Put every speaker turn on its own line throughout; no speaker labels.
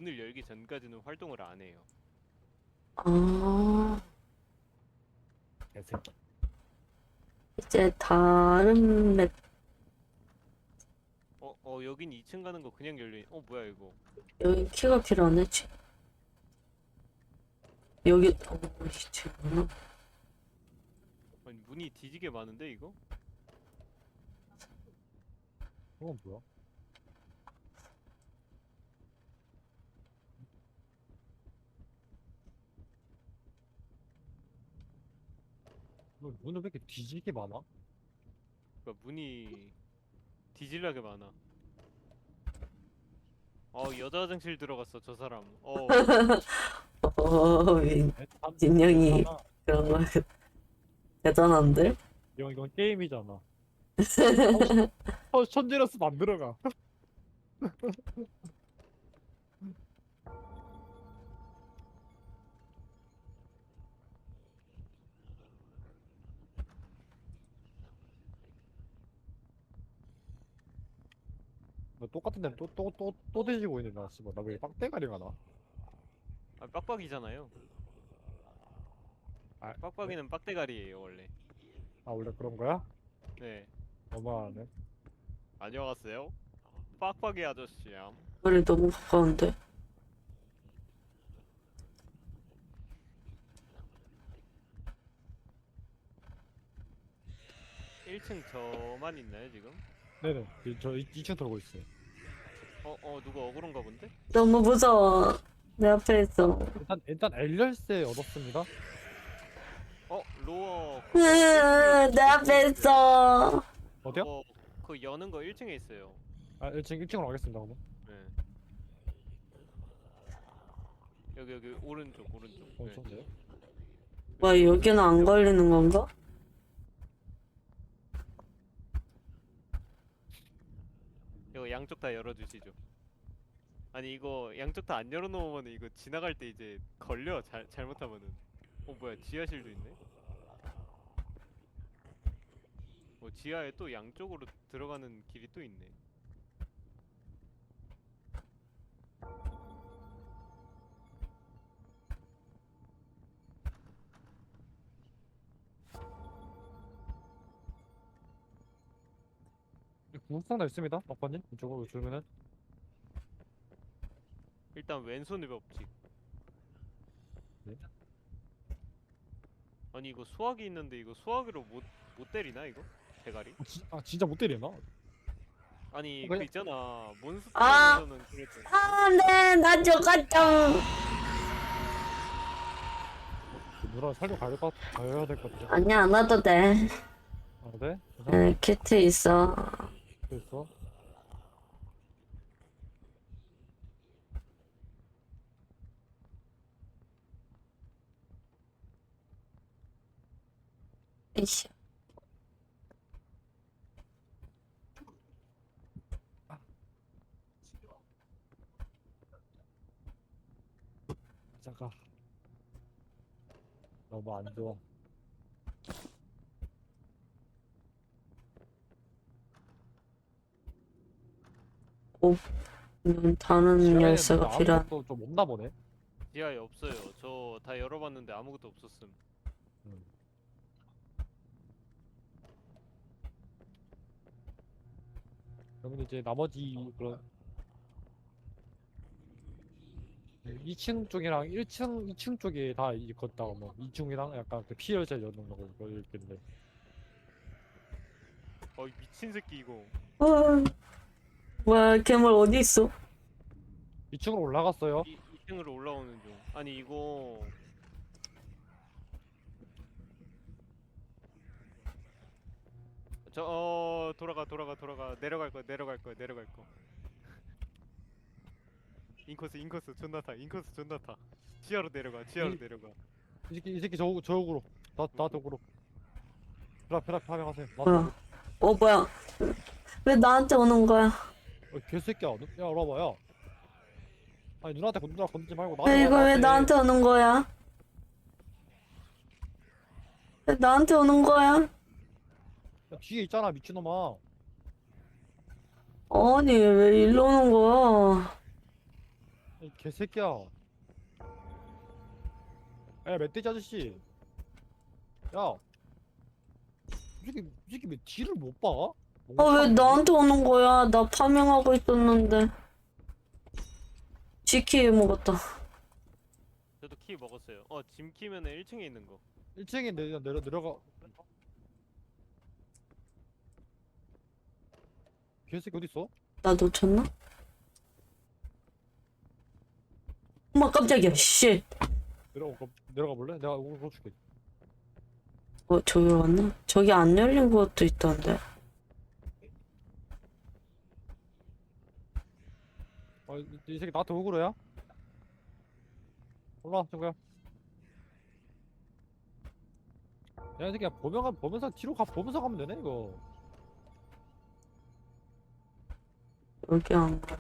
문을 열기 전까지는 활동을 안 해요.
아,
개새끼.
이제 다른 맵,
여긴 2층 가는 거 그냥 열려. 뭐야 이거?
여기 키가 필요하네, 지. 여기, 이제,
아니 문이 뒤지게 많은데 이거?
그건 뭐야? 너 문은 왜 이렇게 뒤지게 많아?
그러니까 문이 뒤질라게 많아. 여자 화장실 들어갔어 저 사람.
진영이
괜찮아.
그런 거 대단한데?
이건 게임이잖아. 천지러스 만들어가. 너 똑같은 데는 또 뒤지고 있는 나 씨발. 나왜 빡대가리가 나?
빡빡이잖아요.
아,
빡빡이는 빡대가리예요 원래.
아 원래 그런 거야?
네.
너무하네.
안녕하세요. 빡빡이 아저씨야.
머리 너무 가까운데?
1층 저만 있나요 지금?
네네. 저 2층 돌고 있어요.
누가 억울한가 본데?
너무 무서워. 내 앞에 있어.
일단 엘열쇠 얻었습니다.
로어
내 앞에 있어.
어디요?
그 여는 거 1층에 있어요.
아 1층으로 가겠습니다 그러면.
네. 여기 오른쪽. 네.
좋은데요?
와, 여기는 안 걸리는 건가?
이거 양쪽 다 열어주시죠. 아니 이거 양쪽 다 안 열어놓으면 이거 지나갈 때 이제 걸려. 잘못하면은. 뭐야 지하실도 있네. 지하에 또 양쪽으로 들어가는 길이 또 있네.
구급상자 있습니다. 아빠님 이쪽으로 주면은.
일단 왼손의 법칙.
네?
아니 이거 수화기 있는데 이거 수화기로 못 때리나 이거? 대가리?
진짜 못 때리나?
아니
그냥-
그 있잖아
아!
몬스터에서는 그랬지.
네, 나 죽었죠.
누나 살려 가야 될 것 같아.
아니야, 안 와도 돼.
아 네? 괜찮아?
네, 키트 있어.
있어.
이씨.
잠깐. 너무 안 좋아.
다른 열쇠가 필요한.
좀 없나 보네.
지하에 없어요. 저 다 열어봤는데 아무것도 없었음.
그러면 이제 나머지 그런 2층 쪽이랑 2층 쪽에 다 걷다가 뭐 2층이랑 약간 그 피열자 여는 거 있겠네.
이 미친 새끼 이거.
뭐야, 괴물 어디 있어?
2층으로 올라갔어요.
2층으로 올라오는 중. 아니 이거 돌아가 내려갈 거. 인코스 존나 타. 지하로 내려가.
이 새끼 저쪽으로 나 쪽으로. 페라 가세요.
뭐야? 뭐야? 왜 나한테 오는 거야?
개새끼야. 야 알아봐 야. 아니 누나한테 건들지 말고
야, 이거 왜 나한테 오는 거야? 왜 나한테 오는 거야?
야, 뒤에 있잖아 미친놈아.
아니, 왜 일로 오는 거야?
이 개새끼야. 야, 멧돼지 아저씨. 야, 이 새끼 왜 뒤를 못 봐?
아, 왜 나한테 오는 거야? 나 파밍하고 있었는데. 지키 먹었다.
저도 키 먹었어요. 짐 키면은 1층에 있는 거.
1층에 내려가. 개새끼 어디 있어?
나 놓쳤나? 엄마 깜짝이야. 씨.
내려가 볼래? 내가 이거 줄게.
저기 왔나? 저기 안 열린 것도 있던데.
이 새끼 나한테 오그로야? 올라와, 친구야. 야, 이 새끼야, 보면서 뒤로 보면서 가면 되네, 이거.
여기 안 가.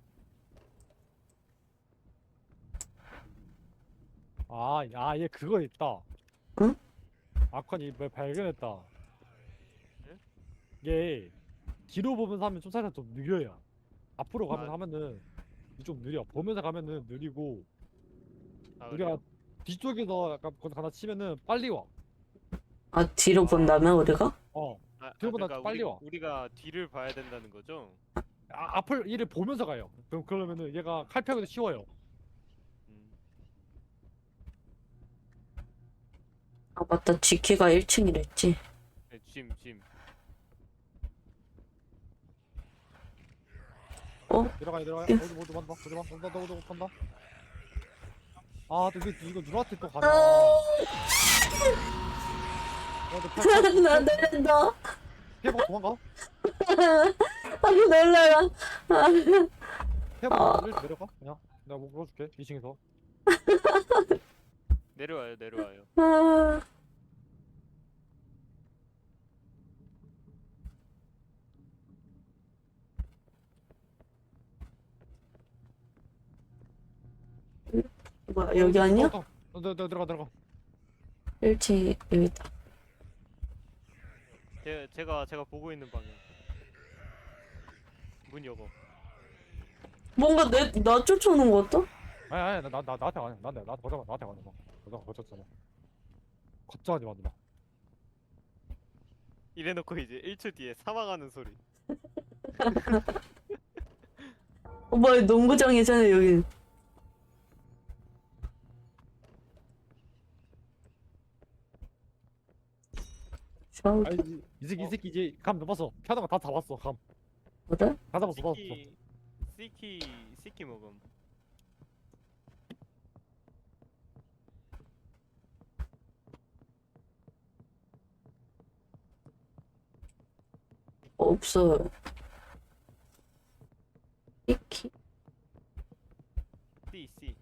얘 그거 있다.
응?
아컨이 뭐 발견했다.
응?
얘 뒤로 보면서 하면 좀 살짝 좀 느려요. 앞으로 가면
아.
하면은 좀 느려. 보면서 가면은 느리고,
아,
우리가
그래요?
뒤쪽에서 약간 거기서 하나 치면은 빨리 와.
아, 뒤로 본다면 우리가?
뒤로보다
그러니까
빨리 와.
우리가 뒤를 봐야 된다는 거죠?
앞을 얘를 보면서 가요. 그러면은 얘가 칼 펴기도 쉬워요.
음.
아, 맞다. 지키가 1층이랬지.
네, 짐.
내려가.
예.
모두 간다. 모두 간다. 근데 이거 누나한테 또 가냐?
나 내린다.
피해보고 도망가.
아, 놀라라.
피해보고 내려가. 그냥 내가 뭐 물어줄게. 2층에서.
내려와요.
아, 뭐야, 여기 아니야?
들어가.
1층 여기다.
제가 보고 있는 방향. 문 열어.
뭔가 나 쫓아오는 거 같다?
아니, 나한테 가냐? 나한테 가냐? 너가 거쳤잖아. 걱정하지 마, 누나.
이래놓고 이제 1초 뒤에 사망하는 소리.
뭐야, 농구장이잖아, 여기. 샤워,
이 새끼 이제 감 넘었어. 피하는 거 다 잡았어. 감.
그래?
다 잡았어.
시키 먹음.
없어요. 이키?
C.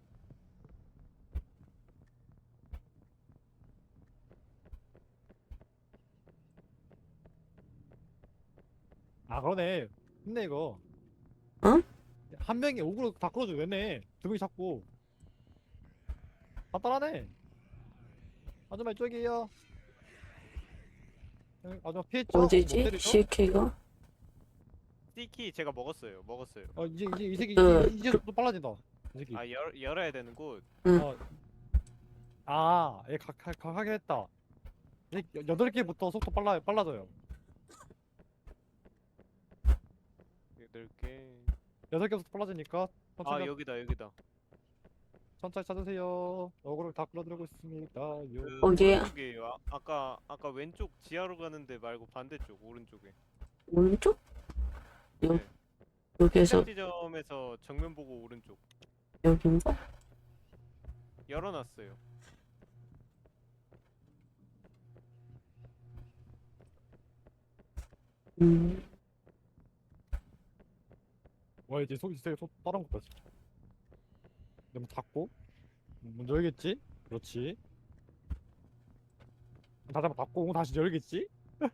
그러네. 힘내 이거.
응?
한 명이 오그로 다 끌어줘. 왜네? 두 명이 잡고. 간단하네. 아줌마 이쪽이에요. 아줌마 피했죠? 못
어디지?
때리죠?
CK가?
C키 제가 먹었어요.
이제 이 새끼
그-
이제 또 빨라진다. 이 새끼.
열어야 되는 곳.
얘 강하게 했다. 얘 8개부터 속도 빨라져요.
8개.
6개부터 빨라지니까 천천히
여기다.
천천히 찾으세요. 어그로 다 끌어들이고 있습니다.
거기에-
오른쪽이에요. 아까 왼쪽 지하로 가는데 말고 반대쪽 오른쪽에.
오른쪽?
네.
여기에서,
시작 지점에서 정면 보고 오른쪽.
여긴가?
열어놨어요.
음,
와 이제 이제 속 다른 것다 진짜. 너무 닫고 문 열겠지? 그렇지. 다시 한번 닫고 다시 열겠지?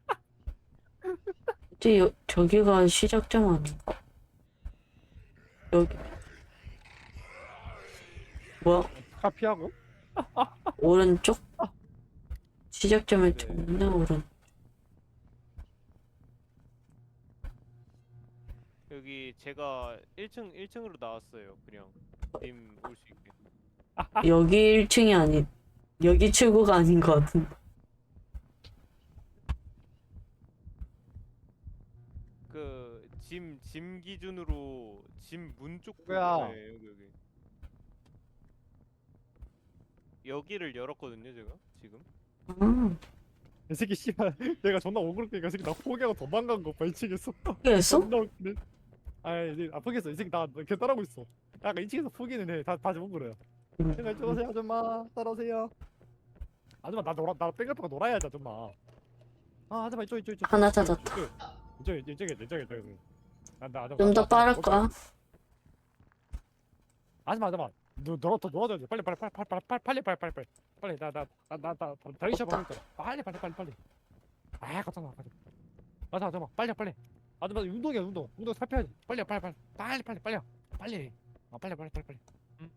이제 저기가 시작점 아닌가? 여기. 뭐야?
카 피하고.
오른쪽? 시작점에
네.
정면 오른.
여기 제가 1층으로 나왔어요. 그냥 님 올 수 있게.
여기 1층이 아니, 여기 출구가 아닌 것 같은데.
그 짐 기준으로 짐 문 쪽
뭐야?
네, 여기. 여기를 열었거든요, 제가 지금.
아,
이 새끼 씨발 내가 존나 억울하니까 이 새끼 나 포기하고 도망간 거 발치겠어.
포기했어?
존나 웃기네. 아이 포기했어. 이 새끼 나걔 따라오고 있어. 약간 2층에서 포기는 해. 다 지금 그래요. 제가 이쪽오세요 아줌마 따라오세요. 아줌마 나 뺑글뺑글 놀아야지 아줌마. 아 아줌마 이쪽.
하나 찾았다.
이쪽에. 나 아줌마.
좀 더 빠를 거야.
아줌마 더 놀아줘야지. 빨리 나 다리 셔 먹을 거야. 빨리. 아 가잖아. 맞아 아줌마 빨리. 아줌마 운동이야 운동 살펴야지. 빨리. 아 빨리. 응?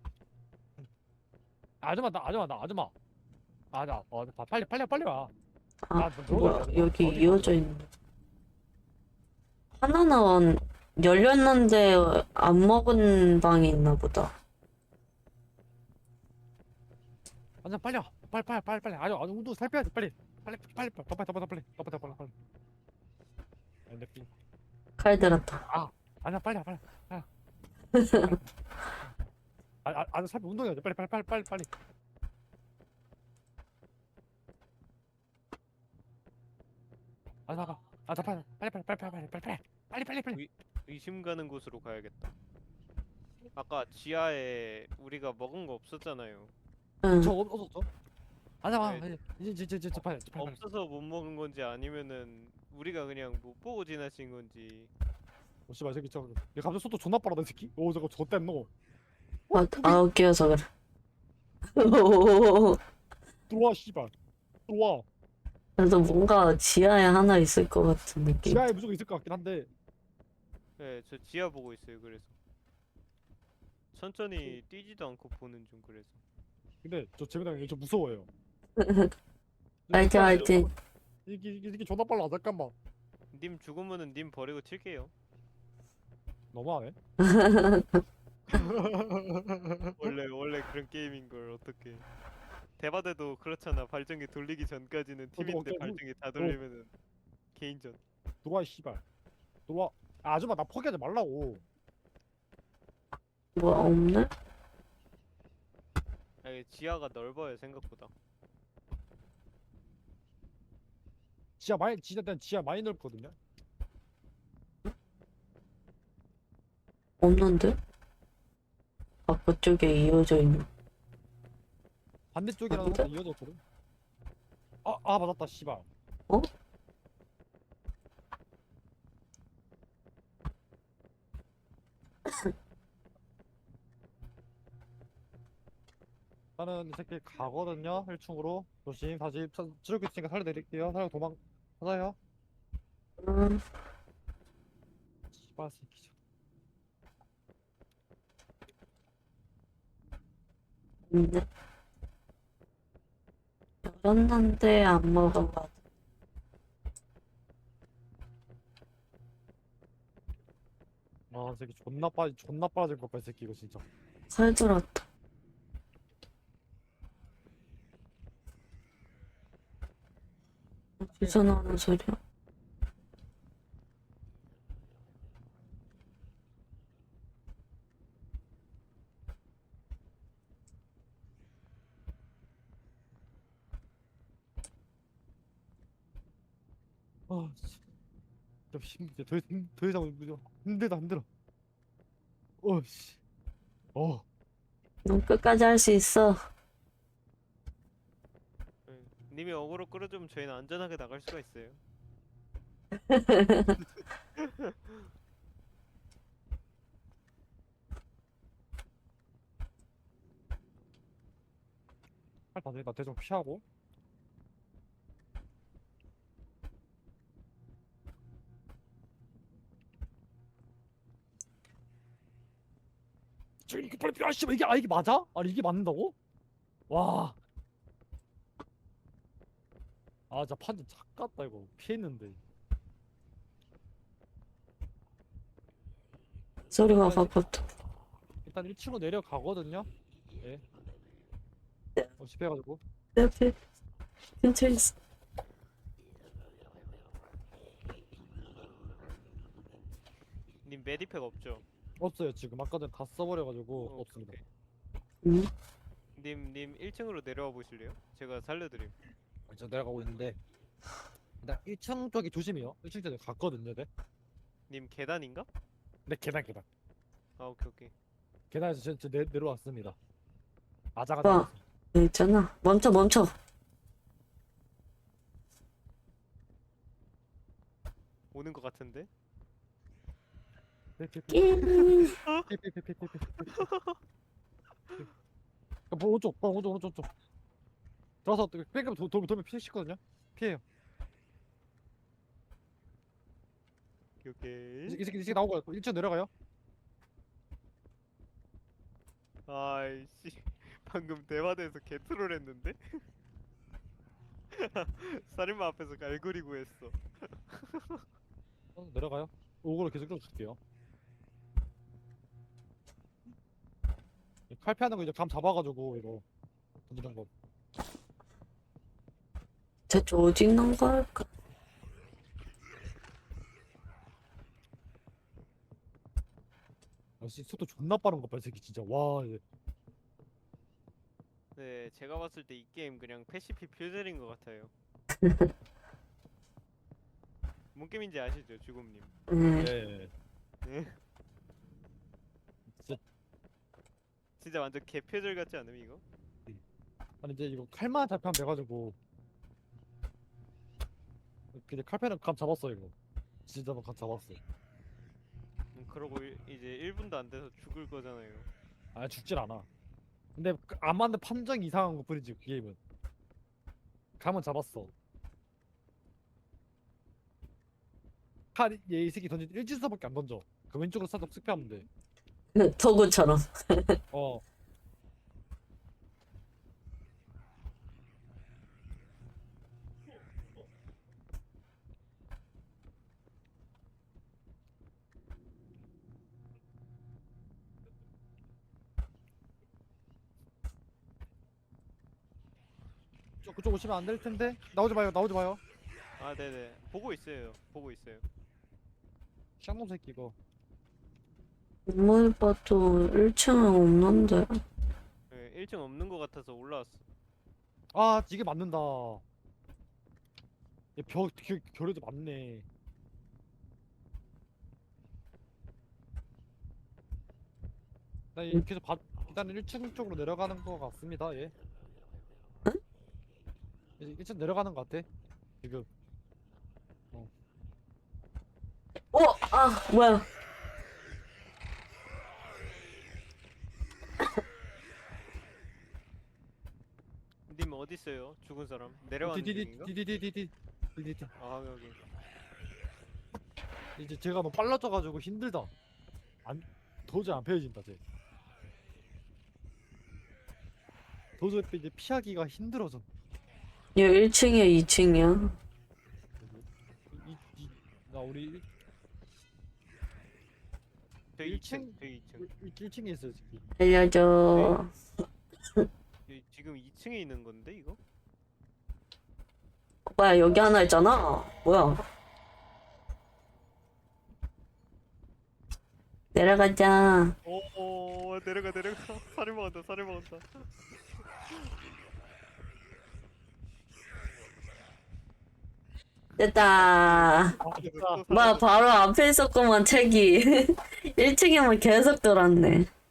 아줌마 나 빨리 와.
아,
들어가야
뭐야,
돼.
여기
어디
이어져
가서.
있는데. 하나는 열렸는데 안 먹은 방이 있나 보다.
아줌마 빨리 와. 빨리. 아주 운동 살펴야지. 빨리. 더 빨리. 내 삐.
칼 들었다.
아줌마 빨리 와. 아주 살펴 운동해야지. 빨리. 아줌마 빨리.
의심 가는 곳으로 가야겠다. 아까 지하에 우리가 먹은 거 없었잖아요.
응.
저 없었죠? 아줌마
네.
이제 빨리.
없어서 못 먹은 건지 아니면은 우리가 그냥 못 보고 지나친 건지.
오 씨발 이 새끼 저 얘 갑자기 속도 존나 빠르다 이 새끼. 오 저거 좆됐노.
아, 아웃기여서 그래.
들어와 씨발. 들어와.
그래도 뭔가 지하에 하나 있을 것 같은 느낌.
지하에 무조건 있을 것 같긴 한데.
네, 저 지하 보고 있어요. 그래서 천천히 뛰지도 않고 보는 중. 그래서
근데 저 재민아 저 무서워요.
알지.
이 새끼 존나 빨라. 잠깐만.
님 죽으면은 님 버리고 튈게요.
너무하네.
원래 그런 게임인 걸 어떻게? 대바대도 그렇잖아. 발전기 돌리기 전까지는 팀인데
어때?
발전기 다 돌리면은 개인전.
들어와 씨발. 들어와. 아줌마 나 포기하지 말라고.
뭐 없네?
아, 이게 지하가 넓어요 생각보다.
지하 많이 넓거든요.
없는데? 아, 그쪽에 이어져 있는.
반대쪽이랑
어디죠?
이어졌거든. 맞았다 씨발.
어?
나는 이 새끼 가거든요. 1층으로. 조심 다시 찌르고 있으니까 살려드릴게요. 살려 도망. 하나요?
음,
씨발 새끼.
있네. 열었는데 안 먹은 것 같아.
이 새끼 존나 빠질 것 같아 이 새끼 이거 진짜.
칼 들었다. 어디서 나는 소리야?
씨. 진짜 더 이상 힘들어. 씨.
넌 끝까지 할 수 있어.
네. 님이 어그로 끌어주면 저희는 안전하게 나갈 수가 있어요.
나 대충 피하고. 이게 빨리 피하 씨발 이게 맞아? 아니 이게 맞는다고? 와. 진짜 판자 작갔다 이거 피했는데.
소리가 가깝다.
일단 1층으로 내려가거든요. 예.
네.
집해가지고
내 앞에 근처에 있어.
님 메디팩 없죠?
없어요 지금. 아까 전에 다 써버려가지고
어,
없습니다.
응?
님 1층으로 내려와 보실래요? 제가 살려드림.
저 내려가고 있는데 일단 1층 쪽이 조심해요. 1층 쪽에 갔거든요. 네.
님 계단인가?
네 계단 계단.
아 오케이.
계단에서 저 내려왔습니다. 아자가
오빠.
나왔어.
여기 있잖아. 멈춰.
오는 것 같은데?
끼.
오른쪽 오른쪽 들어서 백업 돌면 피시거든요. 피해요.
오케이.
이 새끼 나오고 1층 내려가요.
아이씨 방금 대화대에서 개트롤 했는데? 살인마 앞에서 갈고리 구했어.
내려가요. 오고를 계속 끌어줄게요. 칼피하는 거 이제 감 잡아가지고 이거 던지는 거.
대체 어디 있는 걸까?
역시 속도 존나 빠른 거 봐, 이 새끼 진짜. 와, 이제.
네, 제가 봤을 때 이 게임 그냥 패시피 퓨젤인 것 같아요. 뭔 게임인지 아시죠, 주곰님?
응.
예.
네.
진짜
진짜 완전 개 퓨젤 같지 않음 이거?
아니 이제 이거 칼만 잡히면 돼가지고. 근데 칼패는 감 잡았어 이거. 진짜 감 잡았어.
그러고 이제 1분도 안 돼서 죽을 거잖아요.
아 죽질 않아. 근데 안 맞는 판정 이상한 거 뿐이지 그 게임은. 감은 잡았어. 칼이 이 새끼 던진 일진수밖에 안 던져. 그 왼쪽으로 살짝 쓱피하면 돼.
도구처럼.
어. 그쪽 오시면 안 될 텐데. 나오지 마요.
아 네네 보고 있어요.
쌍놈 새끼 이거.
아무리 봐도 1층은 없는데.
네, 1층 없는 것 같아서 올라왔어.
아 이게 맞는다. 결에도 맞네. 나 이렇게 해서 일단은 1층 쪽으로 내려가는 거 같습니다. 예. 이제 1층 내려가는 거 같아. 지금.
뭐야.
님 어디 있어요? 죽은 사람 내려가는 중인가?
디디디디디디디디.
아 여기.
이제 제가 너무 빨라져가지고 힘들다. 도저히 안 펴진다 쟤. 도저히 이제 피하기가 힘들어져.
얘 1층이야, 2층이야?
나 우리
저 2층.
1층에 있어요 새끼.
알려줘.
지금 2층에 있는 건데 이거?
오빠야, 여기 하나 있잖아. 뭐야. 내려가자.
오 내려가. 살인 먹었다.
됐다.
아 됐다.
뭐 바로 앞에 있었구만, 책이. 1층에만 계속 돌았네.